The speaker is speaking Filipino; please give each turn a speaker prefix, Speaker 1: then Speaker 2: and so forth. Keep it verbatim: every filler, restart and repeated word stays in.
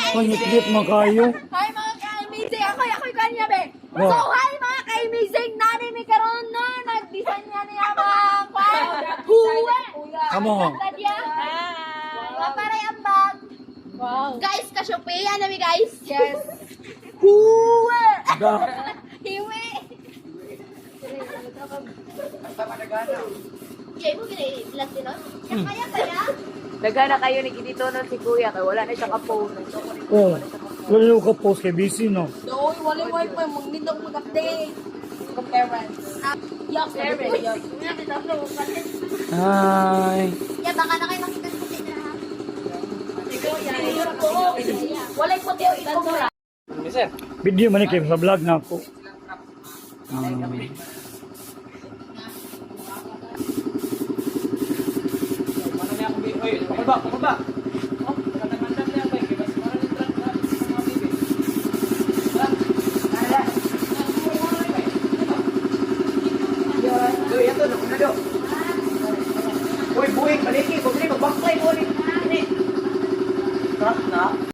Speaker 1: Pangit-lit mo kayo.
Speaker 2: Hi mga ka-amazing! Ako, ako'y kanya be!
Speaker 1: Oh.
Speaker 2: So, hi mga ka-amazing! Nani mi karon na! Nag-design niya niya mga kwan! Huwe!
Speaker 1: Come on.
Speaker 2: Dadya! Wow. Paray ang bag! Wow! Guys, ka-Shopee! Ano mi guys? Yes! Huwe!
Speaker 1: Da.
Speaker 2: Hiwe! Jay mo gina-vlog din nun? Kaya kaya?
Speaker 3: Nagana kayo ni dito nun si Kuya kaya wala na siya ka-phone.
Speaker 1: Oh. Lalo ka post kay busy no.
Speaker 2: Doy, wala wifi. Magnindong mag-update. Kung parents. Yuck, parents.
Speaker 1: Hi.
Speaker 2: Yeah, baka na kayo makita sa kasi na ha. Walay po tayo ito mo.
Speaker 1: Video man ni kay sa vlog na ako. Um,
Speaker 3: Uy, buwing, baliki, kung hindi, mag-backfly mo ulit. Ini. Truck na.